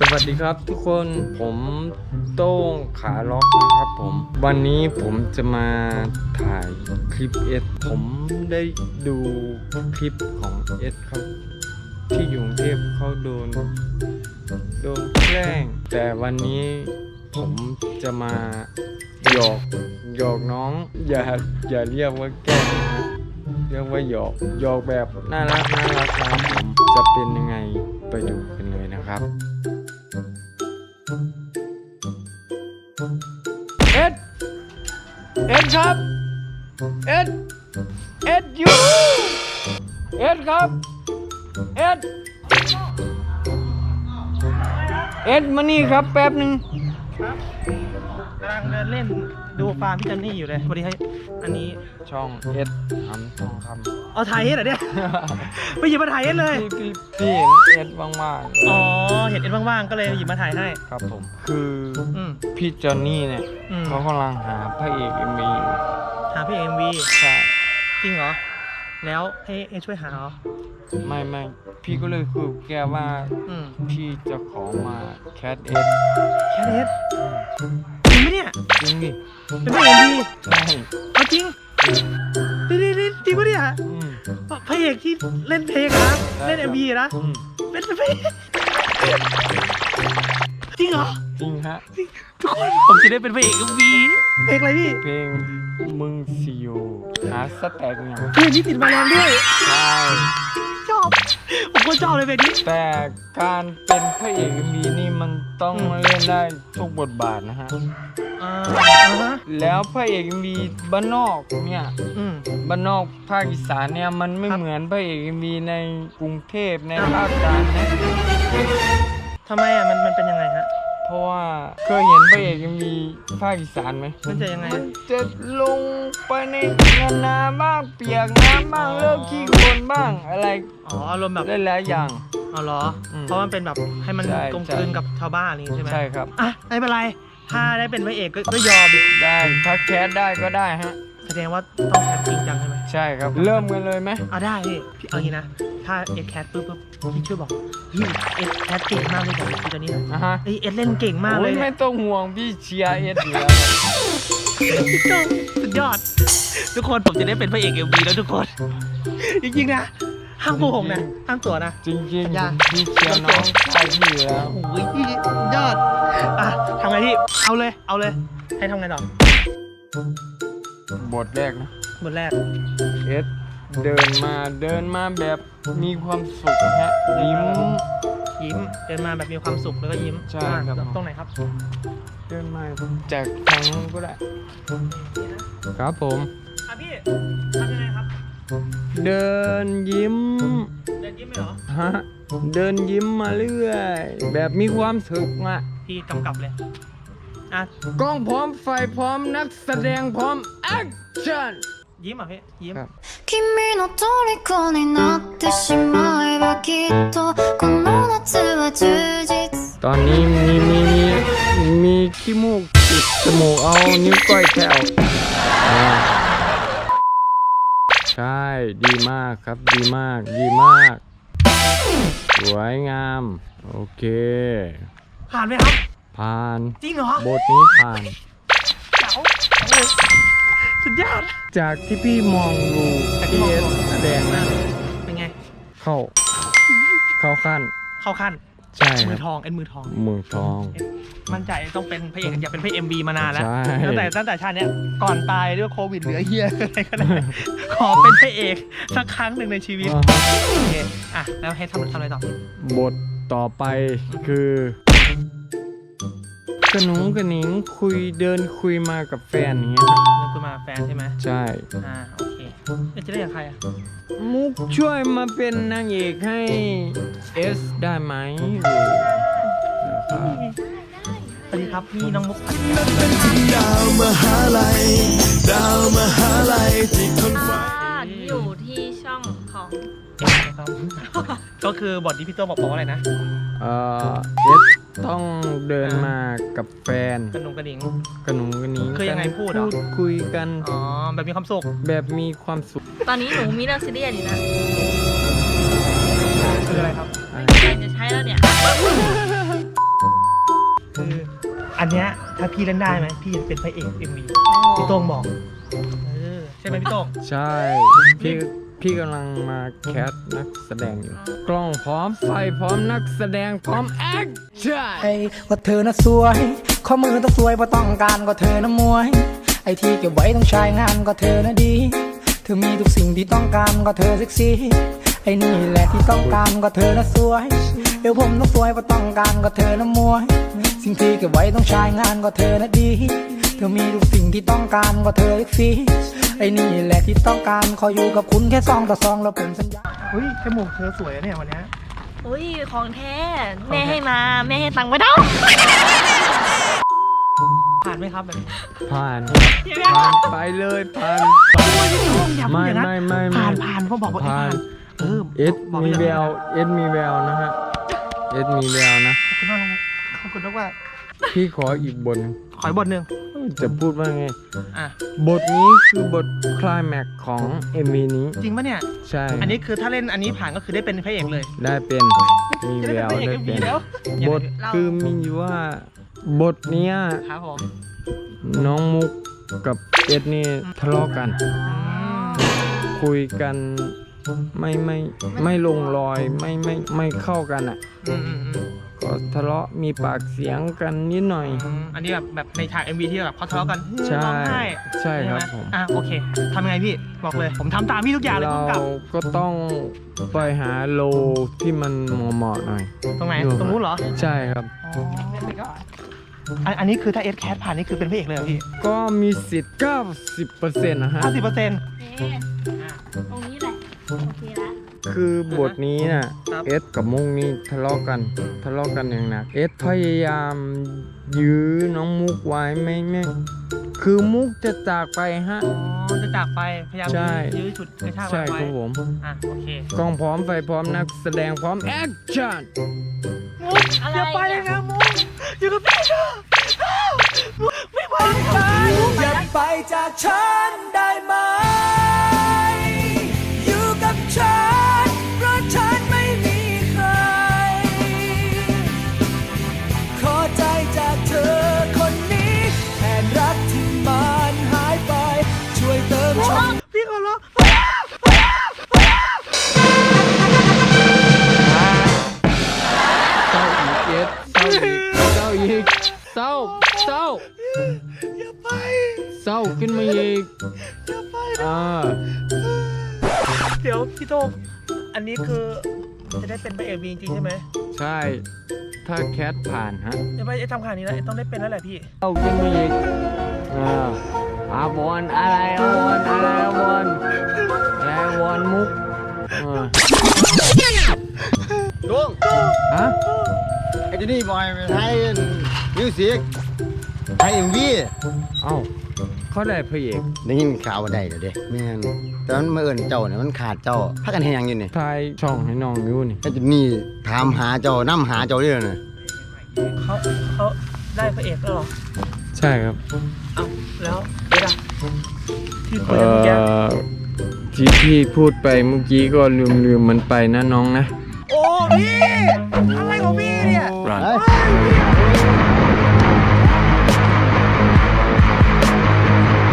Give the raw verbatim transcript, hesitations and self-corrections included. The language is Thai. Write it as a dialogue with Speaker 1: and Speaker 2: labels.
Speaker 1: สวัสดีครับทุกคนผมโต้งขาล็อกนะครับผมวันนี้ผมจะมาถ่ายคลิปเอสผมได้ดูคลิปของเอสครับที่อยู่กรุงเทพเขาโดนโดนแกล้งแต่วันนี้ผมจะมาหยอกหยอกน้องอย่าอย่าเรียกว่าแกล้งนะเรียกว่าหยอกหยอกแบบน่ารักน่ารักครับผมจะเป็นยังไงไปดูกันเลยนะครับเอ็ดเอ็ดครับเอ็ดเอ็ดอยู่เอ็ดครับเอ็ดเอ็ดมานี่ครับแป๊บหนึ่ง
Speaker 2: ครับกำลังเดินเล่นดูฟาร์มพี่จันนี่อยู่เลยสวัสดีครับอันนี้
Speaker 1: ช่องเอ็ดทำทองคำ
Speaker 2: เอาถ่ายเอ็ดเหรอเนี่ย ไปหยิบมาถ่ายเอ็ดเลย
Speaker 1: พี่พี่เห็นเอ็ดว่าง
Speaker 2: ๆอ๋อเห็นเอ็ดว่างๆก็เลยหยิบมาถ่ายให้
Speaker 1: ครับผมคือพี่จอนนี่เนี่ยเขากำลังหาพระเอกเอ็มวี
Speaker 2: หาพระเอกเอ็มวี
Speaker 1: ใช่
Speaker 2: จริงเหรอแล้วให้เอ็ดช่วยหาเหรอ
Speaker 1: ไม่ไม่พี่ก็เลยคุยแกว่าพี่จะขอมาแคทเอ็ด
Speaker 2: แคทเอ็ดจริงไหมเนี่ย
Speaker 1: จริงดิ
Speaker 2: เป็นพระเอกดี
Speaker 1: ใช่
Speaker 2: เอาจริงจริงจริงจริงปะเนี่ยพระเอกที่เล่นเพลงนะเล่นเอ็มวีนะเป็นพระเอกจริงเหรอ
Speaker 1: จริงฮะ
Speaker 2: ทุกคนผมจะได้เป็นพระเอกเอ็มวีเพลงอะไรพี่
Speaker 1: เพลงมึงสิโยหาสแต็กเนี่ย
Speaker 2: เพลงที่ติดมาแรงด้วย
Speaker 1: ใช่
Speaker 2: ชอบผมก็ชอบเลยเพลงนี้
Speaker 1: แต่การเป็นพระเอกเอ็มวีนี่มันต้องเล่นได้ทุกบทบาทนะฮะแล้วพระเอกมีบ้านนอกเนี่ยบ้านนอกภาคอีสานเนี่ยมันไม่เหมือนพระเอกมีในกรุงเทพในภาคกลางนะ
Speaker 2: ทำไมอ่ะมันมันเป็นยังไงฮะ
Speaker 1: เพราะว่าเคยเห็นพระเอกมีภาคอีสานไหม
Speaker 2: มันจะยังไง
Speaker 1: มันจะลงไปในนาบ้างเปียกน้ำบ้างเริ่มขี้โคลนบ้างอะไร
Speaker 2: อ๋ออารมณ์แบบ
Speaker 1: หลายๆอย่าง
Speaker 2: อ๋อเหรอเพราะมันเป็นแบบให้มันกลมกลืนกับชาวบ้านนี่ใช่ไหม
Speaker 1: ใช่ครับ
Speaker 2: อ่ะไม่เป็นไรถ้าได้เป็นพระเอกก็ยอม
Speaker 1: ได้ถ้าแคสได้ก็ได้ฮะ
Speaker 2: แสดงว่าต้องแคสจริงจังใช่ไหม
Speaker 1: ใช่ครับเริ่มกันเลยไหม
Speaker 2: อ่ะได้พี่เอางี้นะถ้าเอ็ดแคสปุ๊บปุ๊บพี่ช่วยบอกพี่เอ็ดแคสเก่งมากเลยบอกพี่ตอนนี้นะ
Speaker 1: ฮะ
Speaker 2: เอ็ดเล่นเก่งมากเลย
Speaker 1: ไม่ต้องห่วงพี่เชียร์เอ็ดอยู่แล้ว
Speaker 2: สุดยอดทุกคนผมจะได้เป็นพระเอกเอ็มวีแล้วทุกคนจริงๆนะห้ามโกหกนะห้ามตัวนะ
Speaker 1: จริงๆพี่เชียร์น้องใช่พี่อยู่แล้ว
Speaker 2: โอ้ยพี่ยอดอ่ะทำไงพี่เอาเลยเอาเลยให้ทำไงต่
Speaker 1: อบทแรกนะ
Speaker 2: บทแรก
Speaker 1: เอสเดินมาเดินมาแบบมีความสุขฮะยิ้ม
Speaker 2: ยิ้มเดินมาแบบมีความสุขแล้วก็ยิ้ม
Speaker 1: ใช่ครับ
Speaker 2: ตรงไหนครับ
Speaker 1: เดินมาจากทางนู้นก็ได้ครับผม
Speaker 2: ครับพี่ทำยังไงครับ
Speaker 1: เดินยิ้ม
Speaker 2: เดินยิ้มไหมเหรอ
Speaker 1: ฮะเดินยิ้มมาเรื่อยแบบมีความสุขอ่ะ
Speaker 2: พี่กำกับเลยอ่ะ
Speaker 1: กล้องพร้อมไฟพร้อมนักแสดงพร้อมแอคชั่น
Speaker 2: ยิ้มอ่ะพี่ยิ้ม
Speaker 3: 君の虜になってしまえばきっとこの夏は充実
Speaker 1: ตอนนี้มีมีมีมีขี้มูกติดจมูกเอานิ้วก้อยแถวใช่ดีมากครับดีมากดีมากสวยงามโอเค
Speaker 2: ผ่านไหมครับ
Speaker 1: ผ่าน
Speaker 2: จริงเหรอบ
Speaker 1: ทนี้ผ่าน
Speaker 2: เจ๋วสุดยอด
Speaker 1: จากที่พี่มองดูเอสแสดงนะ
Speaker 2: เป็นไง
Speaker 1: เข้าเข้าขั้น
Speaker 2: เข้าขั้น
Speaker 1: ใช่
Speaker 2: มือทองเอ็นมือทอง
Speaker 1: มือทอง
Speaker 2: มั่นใจต้องเป็นพระเอกอยากเป็นพระเอ็มวีมานานแล้วตั้งแต่ตั้งแต่ชาตินี้ก่อนตายด้วยโควิดเหลือเฮียอะไรก็ได้ขอเป็นพระเอกสักครั้งหนึ่งในชีวิตโอเคอ่ะแล้วให้ทำทำอะไรต่อบ
Speaker 1: ทต่อไปคือกระหนุงกระหนิงคุยเดินคุยมากับแฟนอย่างเงี้ย
Speaker 2: เดินคุยมาแฟนใช่ไหม
Speaker 1: ใช่
Speaker 2: อ่าโอเคจะได้กับใครอ่ะ
Speaker 1: มุกช่วยมาเป็นนางเอกให้เอสได้ไหม
Speaker 2: สวัสดีครับพี่น้องมุกผัด
Speaker 4: ดาวมหาลัยดาวมหาลัยที่คนฟ้า
Speaker 5: อยู่ที่ช่องของ
Speaker 2: ครับก็คือบทที่พี่โต้บอกบอกว่าอะไรนะ
Speaker 1: เออเอสต้องเดินมากับแฟน
Speaker 2: กระนุงกระหนิง
Speaker 1: กระหนุงกระหนิง
Speaker 2: คือยังไงพูด
Speaker 1: พูดคุยกัน
Speaker 2: อ๋อแบบมีความสุข
Speaker 1: แบบมีความสุข
Speaker 5: ตอนนี้หนูมีเรื่องซีเรียสอยู่นะ
Speaker 2: คืออะไรครับ
Speaker 5: ไม่มีอะไรจะใช้แล้วเนี่ย
Speaker 2: อันเนี้ยถ้าพี่เล่นได้ไหมพี่จะเป็นพระเอกเอ็มวีพี่โต้งบอกเออใช่ไหมพี่โต้ง
Speaker 1: ใช่ พี่พี่กำลังมาแคสนักแสดงอยู่ กล้องพร้อมไฟพร้อมนักแสดงพร้อมแอคชั่น
Speaker 6: ไอ้ว่าเธอน่ะสวย ข้อมือต้องสวยเพราะต้องการก็เธอน่ะมวย ไอ้ที่เก็บไว้ต้องใช้งานก็เธอน่ะดี เธอมีทุกสิ่งที่ต้องการก็เธอเซ็กซี่ ไอ้นี่แหละที่ต้องการก็เธอน่ะสวยเดี๋ยวผมต้องสวยเพราะต้องการก็เธอน่ะมวย สิ่งที่เก็บไว้ต้องใช้งานก็เธอน่ะดี เธอมีทุกสิ่งที่ต้องการก็เธอเซ็กซี่ ไอ้นี่แหละที่ต้องการขออยู่กับคุณแค่ซองต่อซองแล้วผมสัญญา
Speaker 2: เฮ้ยจมูกเธอสวยอะเนี่ยวันเนี้ย
Speaker 5: อุ้ยของแท้ แม่ให้มา แม่ให้ตังค์ไม่ต้อง
Speaker 2: ผ่านไหมครับแบบนี้
Speaker 1: ผ่านผ่านไปเลยผ่าน
Speaker 2: อย่าพูด
Speaker 1: ไม่
Speaker 2: อย่างนั้น
Speaker 1: ไม่ไม่ไม่
Speaker 2: ผ่านผ่านเขาบอกว่า
Speaker 1: ผ่าน
Speaker 2: เออ
Speaker 1: เอส
Speaker 2: บอก
Speaker 1: มี
Speaker 2: ไป
Speaker 1: แว
Speaker 2: อย่าง
Speaker 1: ว
Speaker 2: นั้น
Speaker 1: เอสมีแววนะฮะเอสมีแววนะ
Speaker 2: ขอบคุณมากขอบคุณมากว่า
Speaker 1: พี่ขออีกบทหนึ่ง
Speaker 2: ขอยบทหนึ่ง
Speaker 1: จะพูดว่าไง
Speaker 2: อ่ะ
Speaker 1: บทนี้คือบทคลายแม็กซ์ของเอ็มวีนี้
Speaker 2: จริงปะเนี่ย
Speaker 1: ใช่
Speaker 2: อันนี้คือถ้าเล่นอันนี้ผ่านก็คือได้เป็นพระเอกเลย
Speaker 1: ได้เป็นมี
Speaker 2: จะ
Speaker 1: แว
Speaker 2: ได้
Speaker 1: ว
Speaker 2: เป็นพระเอก
Speaker 1: ได้
Speaker 2: เอ็ม
Speaker 1: เป็
Speaker 2: วี
Speaker 1: น
Speaker 2: แล้ว
Speaker 1: บทคือมีอยู่ว่าบทเนี้ย
Speaker 2: ครับผม
Speaker 1: น้องมุกกับเอ็ดนี่ทะเลาะกัน คุยกันไม่ไม่ไม่ลงรอยไม่ไม่ไม่เข้ากันอ่ะ
Speaker 2: อืมอืมอืม
Speaker 1: ก็ทะเลาะมีปากเสียงกันนิดหน่อย
Speaker 2: อืมอันนี้แบบแบบในฉาก เอ็ม วี ที่แบบเขาทะเลาะกัน
Speaker 1: ใช่
Speaker 2: ร้องไห้
Speaker 1: ใช่ครับ
Speaker 2: ไห
Speaker 1: ผม
Speaker 2: อ่ะโอเคทำยังไงพี่บอกเลย ผมทำตามพี่ทุกอย่างเลย
Speaker 1: เรา
Speaker 2: พุ่งกลับ
Speaker 1: ก็ต้องไปหาโลที่มันเหมาะๆหน่อย
Speaker 2: ตรงไหน
Speaker 1: อยู่
Speaker 2: ตรงนู้นเหรอ
Speaker 1: ใช่ครับ
Speaker 2: อ๋ออันอันนี้คือถ้าเอสแคสผ่านนี่คือเป็นพระเอกเลยเหรอพี่
Speaker 1: ก็มีสิทธิ์เก้าสิบเปอร์เซ็นต์นะฮะ
Speaker 2: ห้าสิบเปอร์เซ็นต์
Speaker 5: โอเคตรงนี้แหละ โอเคละ
Speaker 1: คือบทนี้น่ะ
Speaker 2: ครับ
Speaker 1: เอสกับมุกนี่ทะเลาะกันทะเลาะกันอย่างหนักเอสพยายามยื้อน้องมุกไว้ไม่ไม่คือมุกจะจากไปฮะ
Speaker 2: อ๋อจะจากไปพยายาม
Speaker 1: ใช่
Speaker 2: ยื้อฉุดกระชาก
Speaker 1: ใช่
Speaker 2: ไว้
Speaker 1: ครับผม
Speaker 2: อ่ะโอเค
Speaker 1: กล้องพร้อมไฟพร้อมนักแสดงพร้อมแอคชั่น
Speaker 2: มุก
Speaker 5: อะไร
Speaker 2: อย่าไปเลยนะมุกอยู่กับพี่เถอะมุกไม่ไหวเลย
Speaker 4: อย่าไปจากฉันได้ไหม อยู่กับฉัน เพราะฉันไม่มีใคร ขอใจจากเธอคนนี้แทนรักที่มันหายไป ช่วยเติมช่อง
Speaker 2: พี่ขอร้อง
Speaker 1: เศร้าอีกเอสเศร้าอีกเศร้าอีกเศร้าเศร้า
Speaker 2: อย่าไป
Speaker 1: เศร้าขึ้นมาอีก
Speaker 2: อย่าไป
Speaker 1: อ่า
Speaker 2: เดี๋ยวพี่โต้งอันนี้คือจะได้เป็นพระเอกจริงๆใช่ไหม
Speaker 1: ใช่ ถ้าแคทผ่านฮะ
Speaker 2: เดี๋ยวไปทำขนาดนี้แล้วต้องได้เป็นแล้วแหละพี่
Speaker 1: เศร้าขึ้นมาอีกอ่าอาบอลอะไรอาบอลอะไรอาบอลอะไรอาบอลมุกอ่า
Speaker 7: ลุง
Speaker 1: ฮะ
Speaker 7: ไอ้เจนี่บอยไปไทยมิวสิกไทยเอ็มวี
Speaker 1: เอ้าเขาได้พระเอก
Speaker 7: ได้ยินข่าวว่าได้เดี๋ยวเด้แม่นแต่มันมาเอิญเจ้าเนี่ยมันขาดเจ้าพักกันให้ยังอยู่นี่
Speaker 1: ทายช่องให้น้องอยู่นี่
Speaker 7: ไอ้เจนี่ถามหาเจ้านํหาเจ้าเรื่อยนะ
Speaker 2: เขาเขาได้พระเอกแล้วเหรอ
Speaker 1: ใช่ครับ
Speaker 2: เอ้าแล้วเดี๋ยวนะที่คุย
Speaker 1: เอ่
Speaker 2: กันเมื่อกี้
Speaker 1: อที่พี่พูดไปเมื่อกี้ก็ลืมลืมมันไปนะน้องนะ
Speaker 2: โอ้พี่